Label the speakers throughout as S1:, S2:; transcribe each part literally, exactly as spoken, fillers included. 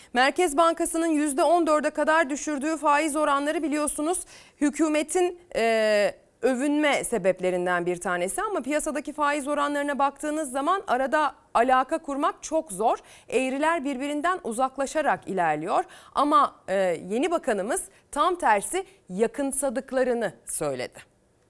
S1: Merkez Bankası'nın yüzde on dörde kadar düşürdüğü faiz oranları biliyorsunuz hükümetin e, övünme sebeplerinden bir tanesi. Ama piyasadaki faiz oranlarına baktığınız zaman arada alaka kurmak çok zor. Eğriler birbirinden uzaklaşarak ilerliyor. Ama e, yeni bakanımız tam tersi yakınsadıklarını söyledi.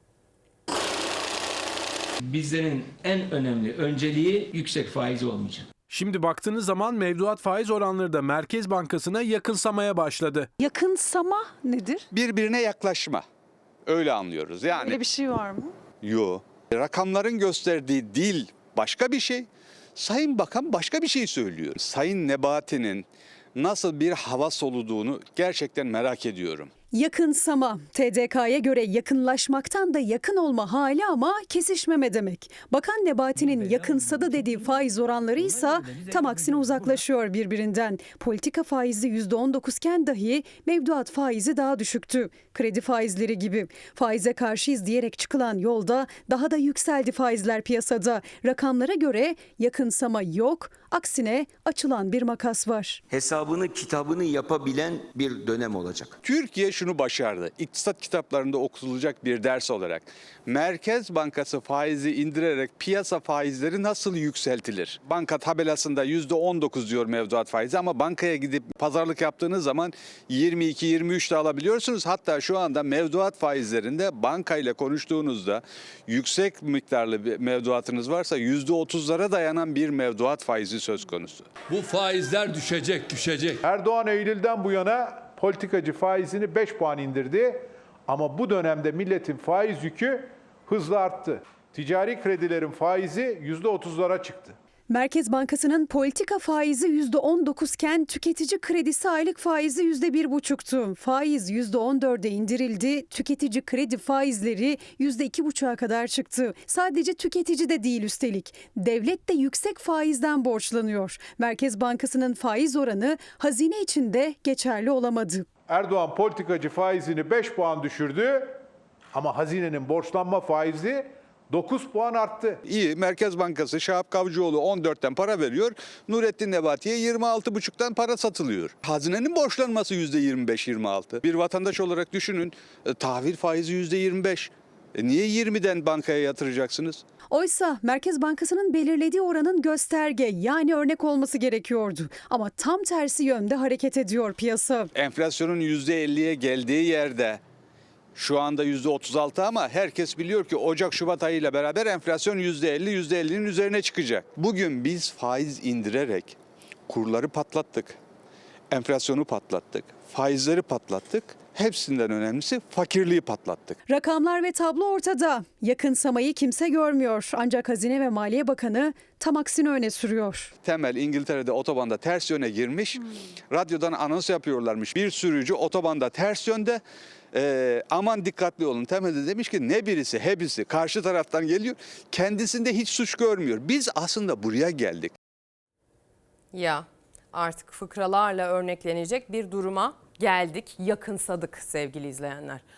S2: Bizlerin en önemli önceliği yüksek faiz olmayacak.
S3: Şimdi baktığınız zaman mevduat faiz oranları da Merkez Bankası'na yakınsamaya başladı.
S4: Yakınsama nedir?
S5: Birbirine yaklaşma. Öyle anlıyoruz. Yani
S4: Öyle bir şey var mı?
S5: yo. Rakamların gösterdiği dil başka bir şey. Sayın Bakan başka bir şey söylüyor. Sayın Nebati'nin nasıl bir hava soluduğunu gerçekten merak ediyorum.
S4: Yakınsama, T D K'ya göre yakınlaşmaktan da yakın olma hali ama kesişmeme demek. Bakan Nebati'nin yakınsadı dediği faiz oranları ise tam aksine uzaklaşıyor birbirinden. Politika faizi yüzde on dokuz iken dahi mevduat faizi daha düşüktü. Kredi faizleri gibi. Faize karşıyız diyerek çıkılan yolda daha da yükseldi faizler piyasada. Rakamlara göre yakınsama yok, aksine açılan bir makas var.
S6: Hesabını kitabını yapabilen bir dönem olacak.
S5: Türkiye şunu başardı. İktisat kitaplarında okutulacak bir ders olarak. Merkez Bankası faizi indirerek piyasa faizleri nasıl yükseltilir? Banka tabelasında yüzde on dokuz diyor mevduat faizi ama bankaya gidip pazarlık yaptığınız zaman yirmi iki yirmi üç de alabiliyorsunuz. Hatta şu anda mevduat faizlerinde bankayla konuştuğunuzda yüksek miktarlı bir mevduatınız varsa yüzde otuzlara dayanan bir mevduat faizi söz konusu.
S7: Bu faizler düşecek, düşecek.
S8: Erdoğan Eylül'den bu yana politikacı faizini beş puan indirdi. Ama bu dönemde milletin faiz yükü hızla arttı. Ticari kredilerin faizi yüzde otuzlara çıktı.
S4: Merkez Bankası'nın politika faizi yüzde on dokuz iken tüketici kredisi aylık faizi yüzde bir buçuktu. Faiz yüzde on dörde indirildi. Tüketici kredi faizleri yüzde iki buçuğa kadar çıktı. Sadece tüketici de değil üstelik. Devlet de yüksek faizden borçlanıyor. Merkez Bankası'nın faiz oranı hazine için de geçerli olamadı.
S8: Erdoğan politikacı faizini beş puan düşürdü ama hazinenin borçlanma faizi dokuz puan arttı.
S5: İyi, Merkez Bankası Şahap Kavcıoğlu on dörtten para veriyor. Nurettin Nebati'ye yirmi altı buçuktan para satılıyor. Hazinenin borçlanması yüzde yirmi beş yirmi altı. Bir vatandaş olarak düşünün, e, tahvil faizi yüzde yirmi beş. E, niye yirmiden bankaya yatıracaksınız?
S4: Oysa Merkez Bankası'nın belirlediği oranın gösterge yani örnek olması gerekiyordu. Ama tam tersi yönde hareket ediyor piyasa.
S5: Enflasyonun yüzde elliye geldiği yerde şu anda yüzde otuz altı ama herkes biliyor ki Ocak-Şubat ayıyla beraber enflasyon yüzde elli yüzde ellinin üzerine çıkacak. Bugün biz faiz indirerek kurları patlattık, enflasyonu patlattık, faizleri patlattık. Hepsinden önemlisi fakirliği patlattık.
S4: Rakamlar ve tablo ortada. Yakınsamayı kimse görmüyor. Ancak Hazine ve Maliye Bakanı tam aksini öne sürüyor.
S5: Temel İngiltere'de otobanda ters yöne girmiş. Hmm. Radyodan anons yapıyorlarmış. Bir sürücü otobanda ters yönde. Ee, aman dikkatli olun. Temel de demiş ki ne birisi hepsi karşı taraftan geliyor. Kendisinde hiç suç görmüyor. Biz aslında buraya geldik.
S1: Ya artık fıkralarla örneklenecek bir duruma geldik, yakınsadık sevgili izleyenler.